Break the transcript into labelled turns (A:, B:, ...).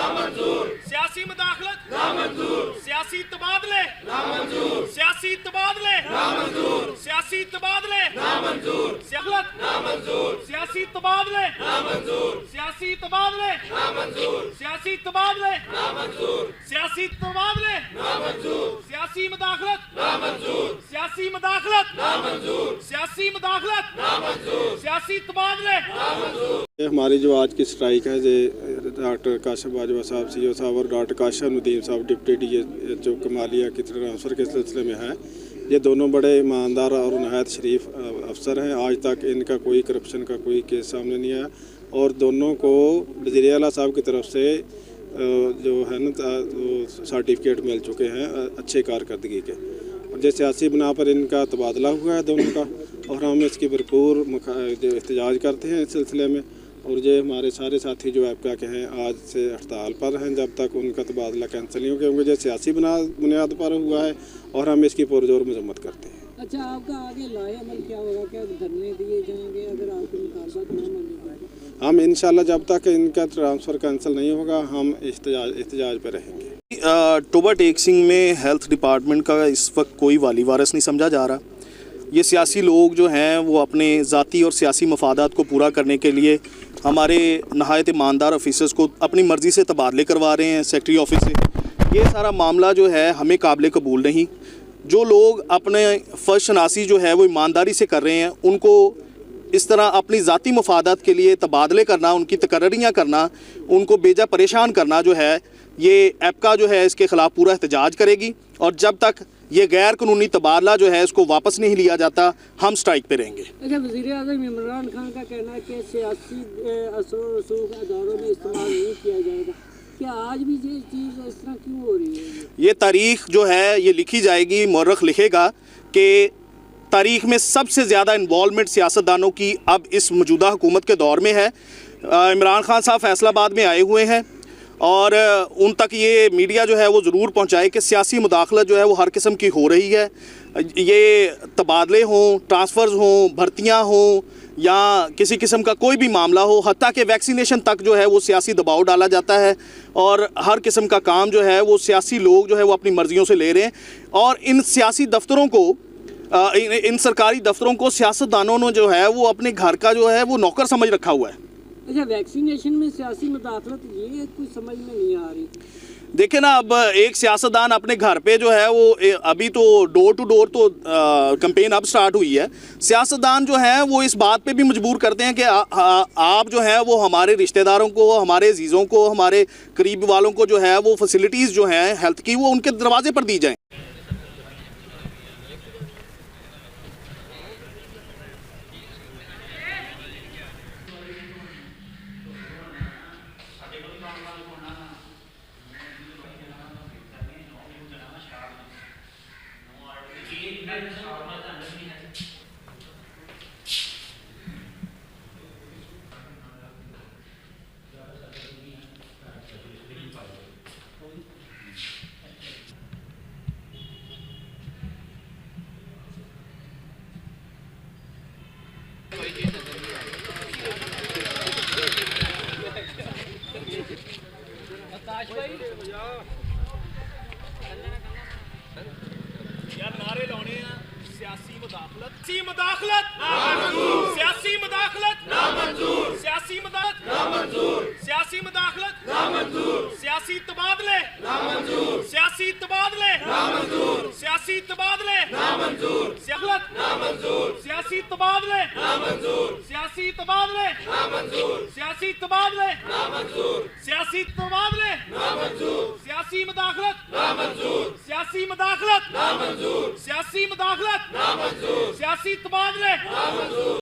A: नामंजूर, सियासी मुदाखलत नामंजूर, सियासी तबादले नामंजूर, सियासी तबादले नामंजूर, सियासी तबादले नामंजूर, सियासत नामंजूर, सियासी तबादले नामंजूर, सियासी तबादले नामंजूर, सियासी तबादले नामंजूर, सियासी तबादले नामंजूर, सियासी मुदाखलत नामंजूर, सियासी मुदाखलत नामंजूर, सियासी मुदाखलत नामंजूर, सियासी तबादले नामंजूर।
B: हमारी जो आज की स्ट्राइक है जो डॉक्टर काशिफ बाजवा साहब सीईओ साहब और डॉक्टर काशिफ नदीम साहब डिप्टी डीएचओ कमालिया की ट्रांसफ़र के सिलसिले में है। ये दोनों बड़े ईमानदार और नहायत शरीफ अफसर हैं। आज तक इनका कोई करप्शन का कोई केस सामने नहीं आया और दोनों को वज़ीर आला साहब की तरफ से जो है ना सर्टिफिकेट मिल चुके हैं अच्छे कारकर्दगी के। और जो सियासी बना पर इनका तबादला हुआ है दोनों का और हम इसकी भरपूर एहतजाज करते हैं इस सिलसिले में। और ये हमारे सारे साथी जो आपका के हैं आज से हड़ताल पर हैं जब तक उनका तबादला कैंसिल नहीं हो, क्योंकि जो सियासी बुनियाद पर हुआ है और हम इसकी पुरजोर मजम्मत करते हैं।
C: अच्छा, आपका आगे लाए अमल क्या होगा? क्या धरने दिए जाएंगे अगर आपके मुतालबात ना माने जाए?
B: हम इंशाल्लाह जब तक इनका ट्रांसफ़र कैंसिल नहीं होगा हम एहतजाज पर रहेंगे।
D: टोबा टेक सिंह में हेल्थ डिपार्टमेंट का इस वक्त कोई वाली वारस नहीं समझा जा रहा। ये सियासी लोग जो हैं वो अपने ज़ाती और सियासी मफादात को पूरा करने के लिए हमारे नहायत ईमानदार ऑफिसर्स को अपनी मर्ज़ी से तबादले करवा रहे हैं सेक्रेटरी ऑफिस से। ये सारा मामला जो है हमें काबिल कबूल नहीं। जो लोग अपने फ़र्ज शनासी जो है वो ईमानदारी से कर रहे हैं उनको इस तरह अपनी ज़ाती मफादात के लिए तबादले करना, उनकी तकर्रियाँ करना, उनको बेजा परेशान करना जो है ये एपका जो है इसके ख़िलाफ़ पूरा एहतजाज करेगी। और जब तक ये गैर कानूनी तबादला जो है इसको वापस नहीं लिया जाता हम स्ट्राइक पे रहेंगे।
C: अच्छा, वज़ीर आज़म इमरान खान का कहना है कि सियासी असर व रसूख अदारों में इस्तेमाल नहीं किया जाएगा। क्या आज भी ये चीज़ इस तरह क्यों हो रही है?
D: ये तारीख़ जो है ये लिखी जाएगी, मौरख लिखेगा कि तारीख़ में सबसे ज़्यादा इन्वॉल्वमेंट सियासतदानों की अब इस मौजूदा हुकूमत के दौर में है। इमरान खान साहब फैसलाबाद में आए हुए हैं और उन तक ये मीडिया जो है वो ज़रूर पहुंचाए कि सियासी मुदाखलत जो है वो हर किस्म की हो रही है। ये तबादले हों, ट्रांसफ़र्स हों, भर्तियां हों या किसी किस्म का कोई भी मामला हो, हत्ता कि वैक्सीनेशन तक जो है वो सियासी दबाव डाला जाता है और हर किस्म का काम जो है वो सियासी लोग जो है वो अपनी मर्ज़ियों से ले रहे हैं। और इन सियासी दफ्तरों को इन सरकारी दफ्तरों को सियासतदानों ने जो है वो अपने घर का जो है वो नौकर समझ रखा हुआ है।
C: अच्छा, वैक्सीनेशन में सियासी मुदाखलत ये कुछ समझ में नहीं आ रही।
D: देखिए ना, अब एक सियासतदान अपने घर पे जो है वो अभी तो डोर टू डोर तो कैंपेन अब स्टार्ट हुई है। सियासतदान जो है वो इस बात पे भी मजबूर करते हैं कि आप जो है वो हमारे रिश्तेदारों को, हमारे अजीज़ों को, हमारे करीब वालों को जो है वो फैसिलिटीज़ जो हैं हेल्थ की वो उनके दरवाजे पर दी जाएँ।
A: यार नारे लाने हैं, सियासी मुदाखलत नामंजूर, सियासी मुदाखलत नामंजूर, सियासी मुदाखलत नामंजूर, सियासी मुदाखलत नामंजूर, सियासी तबादले नामंजूर, सियासी तबादले नामंजूर, सियासी तबादले नामंजूर, सियासत नामंजूर, सियासी तबादले नामंजूर, सियासी तबादले नामंजूर, सियासी तबादले नामंजूर, सियासी तबादले नामंजूर, सियासी मुदाखलत नामंजूर, सियासी मुदाखलत नामंजूर, सियासी मुदाखलत नामंजूर, सियासी तबादले नामंजूर।